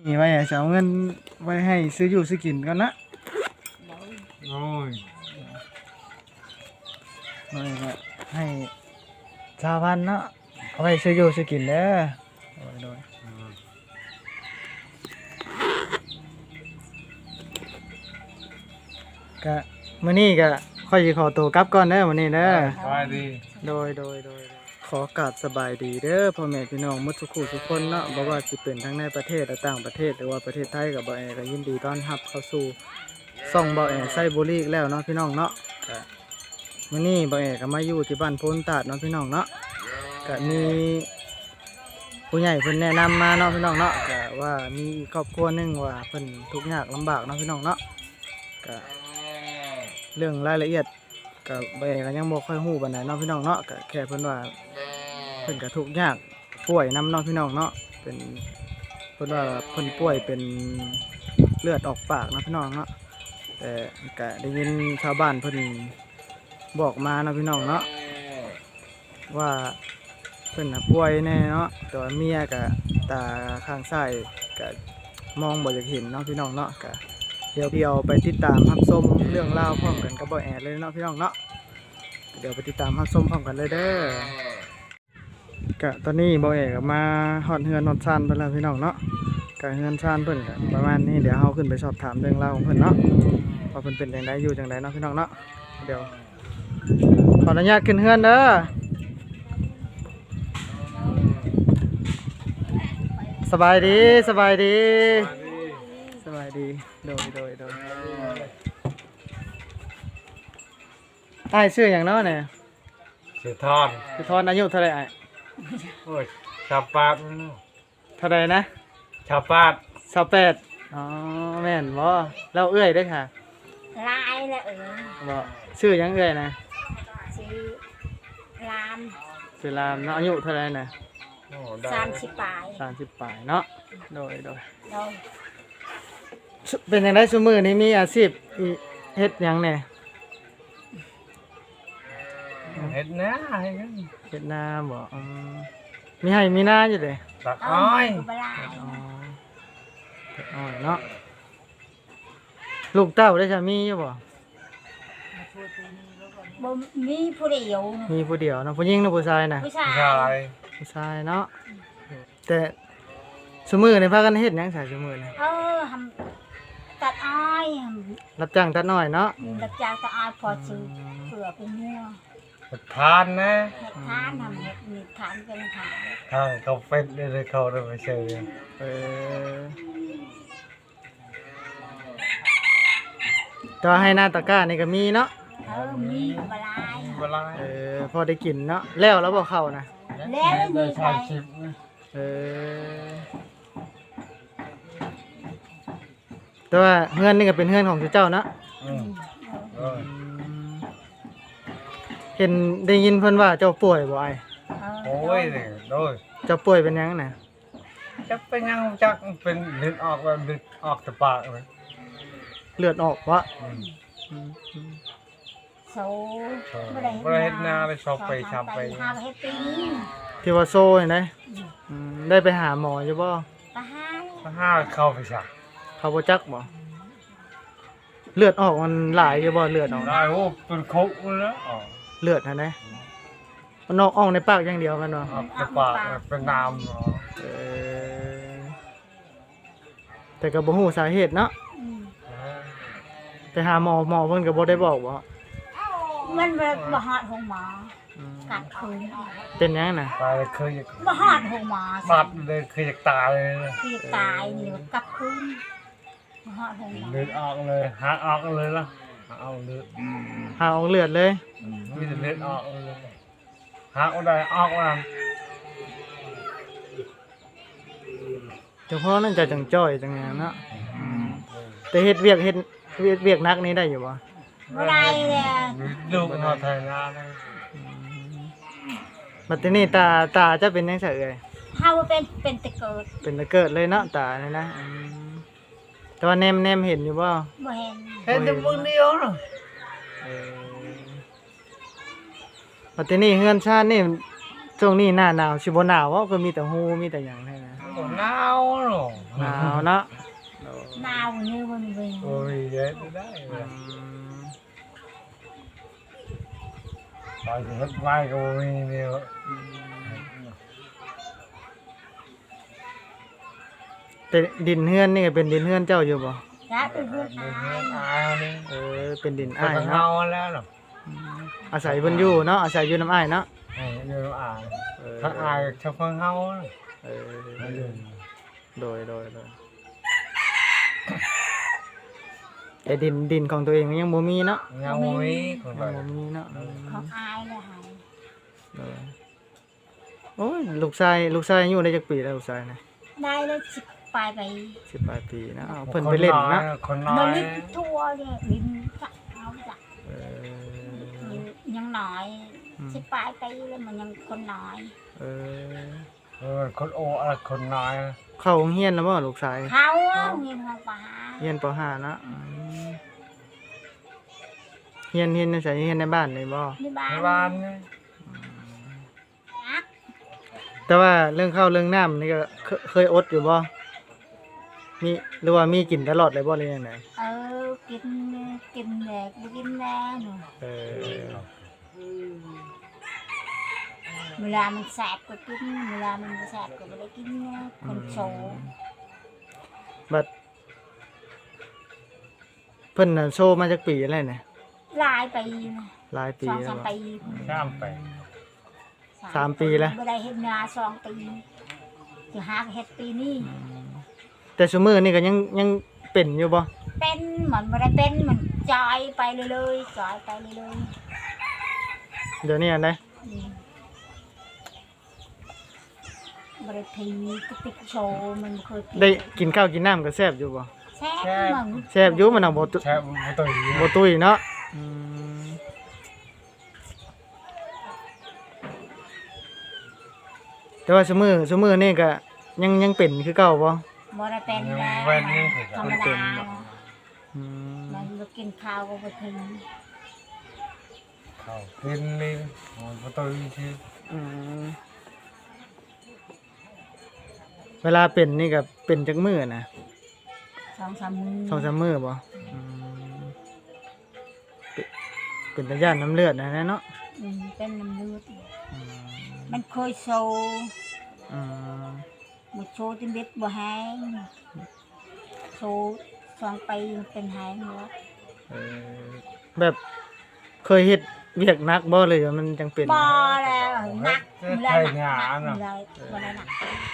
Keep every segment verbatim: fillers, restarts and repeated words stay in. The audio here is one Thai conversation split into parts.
นี่ไว้จะเอาเงินไว้ให้ซื้ออยู่ซื้อกินกันนะโอ้ยไว้ก็ให้ชาวพันเนาะเอาไว้ซื้ออยู่ซื้อกินเด้อโดยโดยก็มื้อนี้ก็ค่อยสิขอตัวกลับก่อนเด้อมื้อนี้เด้อสบายดีโดยโดยโดยขอกราบสบายดีเด้อพ่อแม่พี่น้องมุทุกคู่ทุกคนเนาะบ่ว่าสิเป็นทั้งในประเทศและต่างประเทศหรือว่าประเทศไทยกับบ่แอก็ยินดีต้อนรับเข้าสู่ซ่องบ่แอไซบุรีอีกแล้วเนาะพี่น้องเนาะก็มื้อนี้บ่แอก็มาอยู่ที่บ้านโพนตาดเนาะพี่น้องเนาะก็มีผู้ใหญ่เพิ่นแนะนำมาเนาะพี่น้องเนาะก็ว่ามีครอบครัวนึงว่าเพิ่นทุกข์ยากลำบากเนาะพี่น้องเนาะก็เรื่องรายละเอียดก็บ่แอก็ยังบ่ค่อยฮู้ปานใดเนาะพี่น้องเนาะก็แค่เพิ่นว่าเพิ่นก็ทุกข์ยากป่วยนำเนาะพี่น้องเนาะเป็นเพิ่นว่าเพิ่นป่วยเป็นเลือดออกปากเนาะพี่น้องเนาะแต่ก็ได้ยินชาวบ้านเพิ่นบอกมาเนาะพี่น้องเนาะว่าเพิ่นน่ะป่วยแน่เนาะแต่ว่าเมียก็ตาข้างซ้ายก็มองบ่อยากเห็นเนาะพี่น้องเนาะก็เดี๋ยวเดี๋ยวไปติดตามรับชมเรื่องราวพร้อมกันกับบ่แอดเลยเนาะพี่น้องเนาะเดี๋ยวไปติดตามรับชมพร้อมกันเลยเด้อกะตอนนี้บ่แอดก็มาฮอดเฮือนฮอดซานเพิ่นแล้วพี่น้องเนาะกะเฮือนซานเพิ่นก็ประมาณนี้เดี๋ยวเฮาขึ้นไปสอบถามเรื่องราวของเพิ่นเนาะว่าเพิ่นเป็นจังไดอยู่จังไดเนาะพี่น้องเนาะเดี๋ยวขออนุญาตขึ้นเฮือนเด้อสบายดีสบายดีสบายดีโดยโดยโดยอ้ายชื่อหยังเนาะเนี่ยสือทอนคือทอนอายุเท่าไหร่อ้ายโอ้ยชาวปาดเท่าไหร่นะชาวปาดสาวแปดอ๋อแม่นบ่เราเอื้อยเด้อค่ะลายแล้วเออบ่ชื่อหยังเอื้อยนะชื่อลามชื่อลามเนาะอายุเท่าไหร่นะสามสิบปลายสามสิบปลายเนาะโดยโดยโดยเป็นจังได๋ซุมื้อนี้มีอาชีพเฮ็ดหยังแหน่เฮ็ดนาเฮ็ดเฮ็ดนาบ่อืมมีให้มีนาอยู่เด้ตัดอ้อยอ๋อตัดอ้อยเนาะลูกเต้าได้จะมีอยู่บ่บ่มีผู้เดียวมีผู้เดียวเนาะผู้หญิงหรือผู้ชายน่ะผู้ชายผู้ชายเนาะแต่ซุมื้อนี่พากันเฮ็ดหยังซะซุมื้อนี่เออทำตัดอ้อยรับจ้างตัดอ้อยเนาะรับจ้างตัดอ้อยพอซื้อเผื่อเป็นงัวเฮ็ดทานนะเฮ็ดทานทำเฮ็ดมีทานเป็นทานทางเขาเป็ดได้เขาได้ไปซื้อเออก็ให้หน้าตะกร้านี่ก็มีเนาะเออมีบลายบลายเออพอได้กินเนาะแล้วแล้วบ่เข้านะแล้วได้ใช้ชิปเออแต่ว่าเฮือนนี่ก็เป็นเฮือนของเจ้าเนาะอืมเออเห็นได้ยินเพิ่นว่าเจ้าป่วยบ่อ้ายโอ้ยนี่โดยเจ้าป่วยเป็นหยังน่ะจะเป็นยังจักเป็นเลือดออกแล้วเลือดออกแต่ปากเลยเลือดออกวะโซ่บ่ได้บ่ได้เฮ็ดนาไปชอบไปชำไปหาเฮ็ดปีที่ว่าโซ่เห็นได้อืมได้ไปหาหมออยู่บ่ตาหาตาหาเข้าไปซะเขาบ่จักบ่เลือดออกมันหลายอยู่บ่เลือดออกได้โอ้เป็นคุกเลยนะอ๋อเลือดหั่นนะมันออกออกในปากอย่างเดียวแม่นบ่ออกในปากเป็นน้ำเนาะเออแต่ก็บ่ฮู้สาเหตุเนาะไปหาหมอหมอเพิ่นก็บ่ได้บอกบ่มันบ่ฮอดห้องหมอกัดคืนเป็นหยังน่ะตายเคยบ่ฮอดห้องหมอบาดเลยเคยอยากตายเลยคือตายนี่กับคืนบ่ฮอดห้องหมอเลือดออกเลยหาออกเลยล่ะหาเอาเลือดหาออกเลือดเลยมีแต่เลือดออกเลยหาเอาได้ออกว่าเฉพาะนั่นจะจังจ้อยจังงานเนาะแต่เฮ็ดเวียกเฮ็ดเวียกเวียกนักนี้ได้อยู่บ่บ่ได้เลยลูกมันทายงานบัดนี้ตาตาจะเป็นจังไสเอ่ยเฮาเป็นเป็นตะเกิดเป็นตะเกิดเลยเนาะตานี่นะแต่ว่าแนมๆเห็นอยู่บ่บ่เห็นเห็นแต่เบิ่งเดียวเนาะเออบัดนี้เฮือนชาตินี่ช่วงนี้หน้าหนาวสิบ่หนาวบ่ก็มีแต่ฮู้มีแต่หยังแท้นะบ่หนหนาวเนาะหนาวเนาะโอ้หนาวnhư bên về โอ้ยเย็นได้อืมตอนที่เฮ็ดไม้ก็บ่มีเนี่ยแต่ดินเฮือนนี่ก็เป็นดินเฮือนเจ้าอยู่บ่ giá từ vườn เฮ็ด ai อายนี่เออเป็นดินอ้าอ้าย ยเฮาเนาะแล้วเนาะอืมอาศัยเพิ่นอยู่เนาะอาศัยอยู่น้ำอ้ายเนาะให้อยู่อายเออถ้าอายเฉพาะเฮาเอเอออโดยโดยโดยแต่ดินดินของตัวเองยังบ่มีเนาะยังบ่มีคนยัไปงบ่มีเนาะ không ai là hại เออโอ้ยลูกชายลูกชายอายุได้จักปีแล้วลูกชายนะ đây là chụp bài vậy สิบแปดปีนะอ้าวเพิ่นไปเล่นนะคนน้อ mà ย đi thua đi đi chắc áo chắc เออยังน้อยสิบปลายปีแล้วมันยังคนน้อยเออเออคนโอ้อะไรคนน้อยเข้าโรงเรียนแล้วบ่ลูกชายเขาอะเงินเขาป่าเรียนป .ห้า นะอืมเรียนเรียนในไสเรียนในบ้านนี่บ่ที่บ้าในนบ้านนี่นักแต่ว่าเรื่องข้าวเรื่องน้ำนี่ก็เคเคยอดอยู่บ่มีหรือว่ามีกินตลอดเลยบ่หรือยังไงเออกินกินแดกกินแน่หนูเออเวลามันแสบก็กินเวลามันไม่แสบก็ไม่ได้กินนะคนโซบัดเพิ่นน่ะโชว์มาจากปีอะไรเนี่ยลายปีนะหลายปีสองแล้สาว มบ่ปีข้ามไปสามปีแล้วไม่ได้เห็นงานสองปีจะหาเห็ดปีนี้แต่ซุมื้อนี่ก็ยังยังเป็นอยู่บ่เป็นเหมือนไม่ได้เป็นเหมือนจอยไปเลยเลยจอยไปเลยเลยเดี๋ยวนี้อันใดอืมบริทีกติกโชว์มันเคยได้กินข้าวกินน้ำก็แซ่บอยู่บ่แซ่บมึงแซ่บอยู่มันเอาบ่ตุแช่บ่ตุยบ่ตุ้ยเนาะอืมแต่ว่าซุมื้อซุมื้อนี่ก็ยังยังเป็นคือเก่าบ่บริเป็นแล้วเว้นนี่คือธรรมดาอืมมันมากินข้าวก็บริทีเขากินนี่บ่ตุยที่อืมเวลาเป็นนี่ก็เป็นจักมื้อนะสองสามมือสองสามมื้อบ่อืมเป็นเป็นตาย่านน้ำเลือดนะเนาะอืมเป็นน้ำเลือดอืมมันเคยโชว์อืมมาโชว์จนเด็ดบ่แห้งโชว์สองปีเป็นแห้งแล้วเออแบบเคยเฮ็ดเวียกหนักบ่เลยว่ามันจังเป็นบ่แล้วหนักไทยหาหนัเนาะกเลยบ่ได้หนัก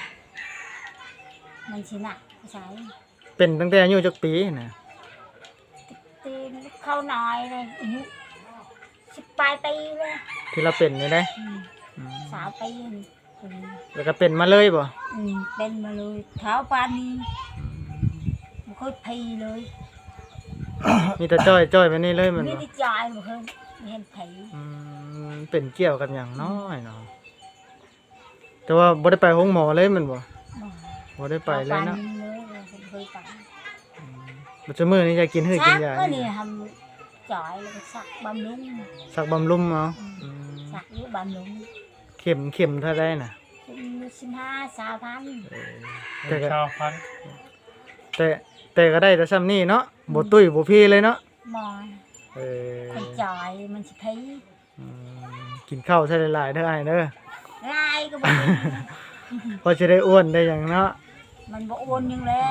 มันสิหนักใช่เป็นตั้งแต่อายุจักปีน่ะตีนเข้าน้อยเลยอายุสิบปลายปีเลยที่เราเป็นนี่ได้อืมอืมสาวปีนี่อืมแล้วก็เป็นมาเลยบ่อืมเป็นมาเลยเท้าปานนี้มันค่อยพีเลยมีแต่จ้อยจ้อยไปนี่เลยมันนี่บ่ที่จอยมันเพิ่นเห็นผีอืมเป็นเกี่ยวกับหยังน้อยเนาะแต่ว่าบ่ได้ไปห้องหมอเลยแมันบ่บ่บ่ได้ไปเลยเนาะท้าปานเลยเพิ่นเคยไปปัจจุบันนี้จะกินหื้อกินยาสักก็นี่ทำจอยแล้วก็สักบำรุงสักบำรุงเอาอืมสักอยู่บำรุงเข็มเข็มเท่าได้น่ะเป็นสิบห้าสาวพันเออเป็นชาวพันธุ์แต่แต่ก็ได้แต่ซ้ำนี่เนาะบ่ตุ้ยบ่พี่เลยเนาะมอยเออคนจอยมันสิพีอืมกินข้าวใส่หลายๆเด้ออ้ายเด้อลายก็บ่เป็นพอจะได้อ้วนได้หยังเนาะมันบ่โอนยังแล้ว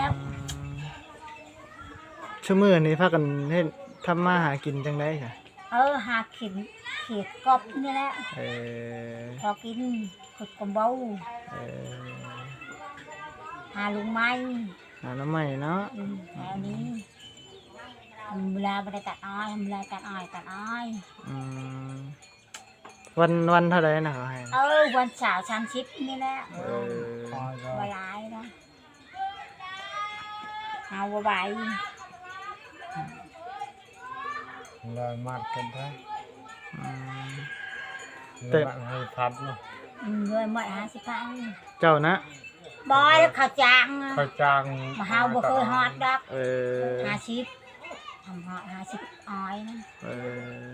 ชั่วมื้อนี้พากันเฮ็ดทำมาหากินจังได๋ค่ะเออหาเข็มเขียดกบนี่แหละเออพอกินขุดกำเบ้าเออหาลุงไม้หาน้ำใหม่เนาะอืมแถวนี้ทำเวลาไปตัดอ้อยทำเวลาตัดอ้อยตัดอ้อยอืมวันวันเท่าใดนะเขาให้เออวันเสาร์สามสิบนี่แหละเออพอจะบหลายนะเอาบ่ใบเลยมัดกันได้อืมเลยมัดให้พัดเนาะอืมเลยหมดห้าสิบพันเจ้านะบอยแล้วเขาจ้างอะเขาจ้างมาเฮาบ่เคยฮอดดอกเออห้าสิบทำฮอดห้าสิบอ้อยนะเออ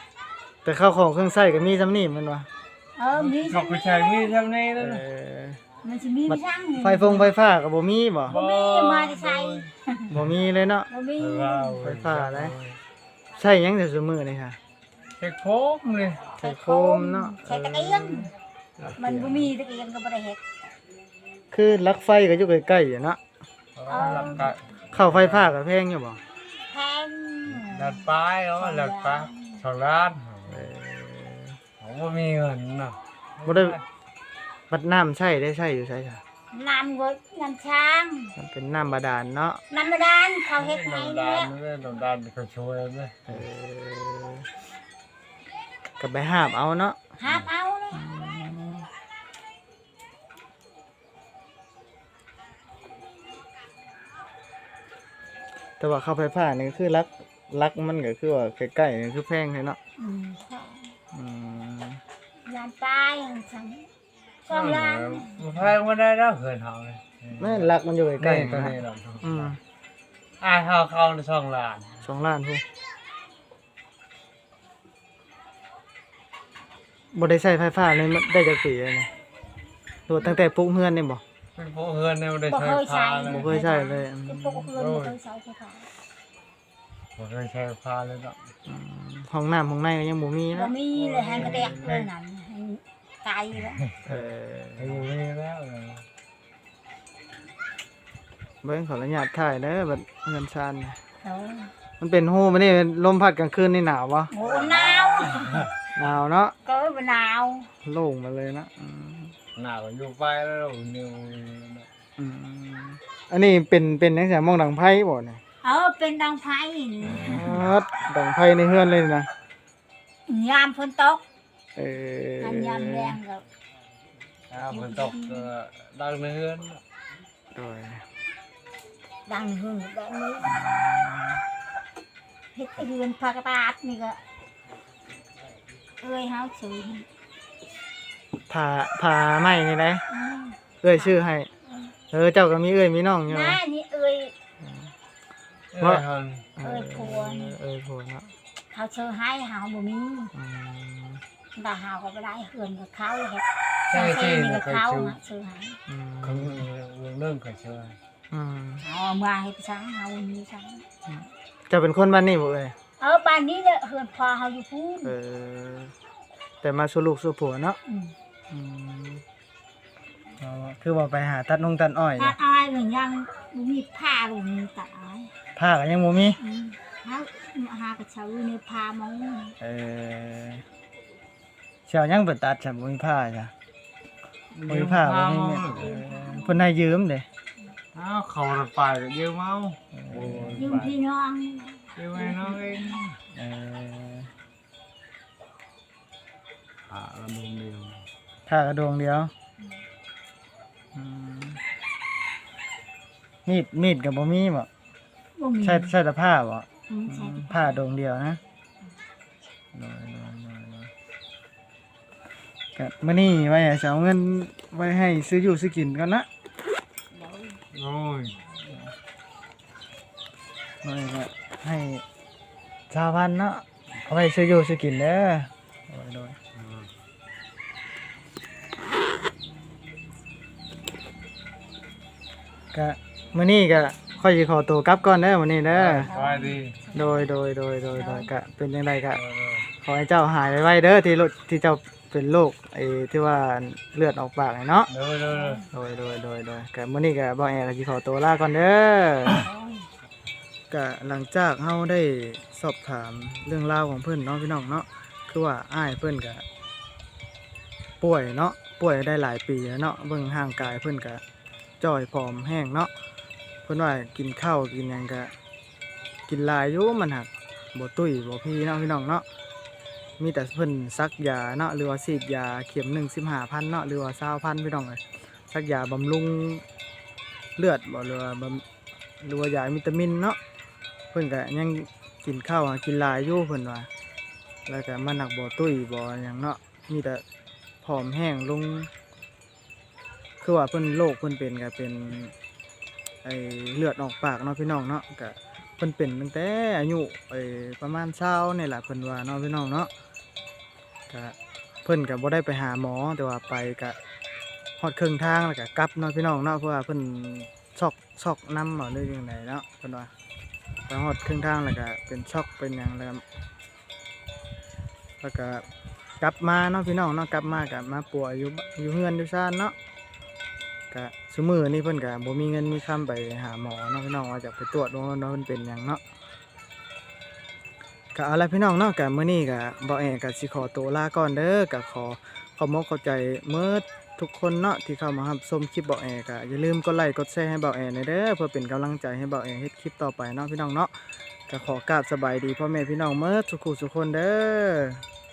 แต่ข้าวของเครื่องใช้ก็มีซ้ำนี่แมันวะเออมีเขาก็ใช้มีดทำนี่เอแล้วนะอมันสิมีบัดช่างไฟฟงไฟฟ้าก็บ่มีบ่บ่มีมาได้ใช้บ่มีเลยเนาะบ่มีไฟฟ้าได้ ใช้หยังแต่ซุมื้อนี่ค่ะเช็คโคมเลยใช้โคมเนาะใช้ตะเกียงมันบ่มีตะเกียงก็บ่ได้เฮ็ดคือลักไฟก็อยู่ใกล้ๆอยู่เนาะหลักกะเข้าไฟฟ้าก็แพงอยู่บ่แพงหลักปลายเนาะหลักปลายสองล้านเออผมบ่มีเงินเนาะบ่ได้บัดน้ำใช้ได้ใช้อยู่ใช่ค่ะน้ำก็น้ำช้างมันเป็นน้ำบาดาลเนาะน้ำบาดาลเขาเฮ็ดให้น้ำแล้ดาว นไม่น้ำดานเขาช่วยไหมเออก็ไปหาบเอาเนาะหาบเอาเลยแต่ว่าเข้าไฟฟ้านี่คือลักลักมันก็คือว่าใกล้ๆนี่คือแพงเลยเนาะอืมอืมล้านปลายจังสองล้านแพงมาได้แล้วเหินเฮาเลยแม่นลักมันอยู่ใกใกล้ล้ๆตัวนะนี้เราอืมอ่าเฮาเข้าในสองล้านสองล้านพูบ่ได้ใช้ไฟฟ้าเลยมันได้จักปีเลยนี่โดดตั้งแต่ปลูกเฮือนนี่บ่เป็นพวกเฮือนเนี่ยบ่ได้บ่ใช้เคยผ้าใช้เลยบ่เคยใช้เลยอืมเป็นพวกเพื่อนบ่เคยใช้ไฟฟ้าบ่เคยใช้ผ้าเลยเนาะอืมห้องน้ำห้องในก็ยังบ่มีบ่เนาะมีเลยให้กระแดกเลยนั่นให้ตายแล้วเออไอ้บ่มีแล้วเลยเบิ่งขออนุญาตถ่ายเด้อบัดเงินชานน่ะโอ้มันเป็นฮู้มันนี่ลมพัดกลางคืนนี่หนาวบ่โหหนาวหนาวเนาะก็บ่หนาวโล่งมาเลยนะอืมหน้าก็อยู่ไปแล้วนิวอืมอันนี้เป็นเป็นจังซี่มองดังไผบ่เนี่ยเออเป็นดังไฟนี่อัดดังไผในเฮือนเลยนะยามฝนตกเอออันยามแรงก็อ่าฝนตกก็ดังในเฮือนโดยดังหึ่งแบบนี้เฮ็ดเรือนผักกาดนี่ก็เอ้ยเฮาซื้อผ่าผ่าไม้นี่ได้อืมเอ้ยชื่อให้ เออเจ้าก็มีเอ้ยมีน้องอยู่น้านี่เอ้ยเอ้ยเฮาเอ้ยผัวนี่เอ้ยผัวเนาะเขาซื้อให้เฮาบ่มีอืมแต่เฮาก็บ่ได้เฮือนกับเขาเฮ็ดใช่ซื้อที่นี่เราก็เคยเขาชื่ออะซื้อให้อืมเขาเรื่องเคยชื่ออืมเอามาให้ไปซังเฮาบ่มีซังเจ้าเป็นคนบ้านนี้บ่เอ้ยเออบ้านนี้เนี่ยเฮือนพ่อเฮาอยู่พูนเออ แต่มาสู่ลูกสู่ผัวเนาะอืมอืมเอาคือว่าไปหาตัดนงตัดอ้อยถ้าเนี่ยอายเหมือนยังบ่มีผ้าบ่มีตาอายผ้าก็ยังบ่มีอืมเฮาหากระเช้าในผ้ามองเออเชียวยังเปิดตัดฉันบ่มีผ้าจ้ะบ่มีผ้าบ่มีเม็ดเออเพิ่นให้ยืมเด้อ้าวเขารถไปก็ยืมเอาโอ้ยืมพี่น้องยืมให้น้องเองเอออ่าลำดงเดียวผ้ากระดวงเดียวอืมมีดมีดก็บ่มีบ่บ่มีใช่ใช่แต่ผ้าบ่อืมใช่ผ้าดวงเดียวนะน้อยๆๆๆก็มื้อนี้ไว้ให้สิเอาเงินไว้ให้ซื้ออยู่ซื้อกินก่อนนะโอ้ยน้อยก็ให้ชาวพันเนาะเอาไว้ซื้ออยู่ซื้อกินเด้อโดยโดยก็มื้อนี้ก็ค่อยสิขอตัวกลับก่อนเด้อมื้อนี้เด้อสบายดีโดยโดยโดยโดยโดยก็เป็นจังไดก็เออขอให้เจ้าหายไวๆเด้อที่โรคที่เจ้าเป็นโรคไอ้ที่ว่าเลือดออกปากนี่เนาะเด้อเด้อโดยโดยโดยโดยก็มื้อนี้ก็บ่แอก็สิขอตัวลาก่อนเด้อก็หลังจากเฮาได้สอบถามเรื่องราวของเพิ่นเนาะพี่น้องเนาะคือว่าอ้ายเพิ่นก็ป่วยเนาะป่วยได้หลายปีแล้วเนาะเบิ่งร่างกายเพิ่นก็จ้อยผอมแห้งเนาะเพิ่นว่ากินข้าวกินหยังก็กินหลายอยู่มันหักบ่ตุ้ยบ่พี่เนาะพี่น้องเนาะมีแต่เพิ่นซักยาเนาะหรือว่าฉีดยาเข็มหนึ่ง สิบห้าพันเนาะหรือว่ายี่สิบพันพี่น้องเอ้ยซักยาบำรุงเลือดบ่หรือว่าบำหรือว่ายาวิตามินเนาะเพิ่นก็ยังกินข้าวกินหลายอยู่เพิ่นว่าแล้วก็มันหักบ่ตุ้ยบ่หยังเนาะมีแต่ผอมแห้งลงคือว่าเพิ่นโรคเพิ่นเป็นก็เป็นไอ้เลือดออกปากเนาะพี่น้องเนาะก็เพิ่นเป็นตั้งแต่อายุไอ้ประมาณเช้านี่แหละเพิ่นว่าเนาะพี่น้องเนาะก็เพิ่นก็บ่ได้ไปหาหมอแต่ว่าไปก็ฮอดครึ่งทางแล้วก็กลับเนาะพี่น้องเนาะเพราะว่าเพิ่นช็อกช็อกนำบ่หรือจังไดเนาะเพิ่นว่าไปฮอดครึ่งทางแล้วก็เป็นช็อกเป็นหยังแล้วแล้วก็กลับมาเนาะพี่น้องเนาะกลับมาก็มาป่วยอยู่อยู่เฮือนอยู่ซ่านเนาะก็ซุมื้อนี้เพิ่นก็บ่มีเงินมีคำไปหาหมอเนาะพี่น้องว่าจะไปตรวจว่าเนาะเพิ่นเป็นหยังเนาะก็เอาล่ะพี่น้องเนาะก็มื้อนี้ก็บ่แอก็สิขอตัวลาก่อนเด้อก็ขอขอบมกเข้าใจเมิดทุกคนเนาะที่เข้ามารับชมคลิปบ่แอก็อย่าลืมกดไลค์กดแชร์ให้บ่แอหน่อยเด้อเพื่อเป็นกำลังใจให้บ่แอเฮ็ดคลิปต่อไปเนาะพี่น้องเนาะก็ขอกราบสบายดีพ่อแม่พี่น้องเมิดทุกคู่ทุกคนเด้อ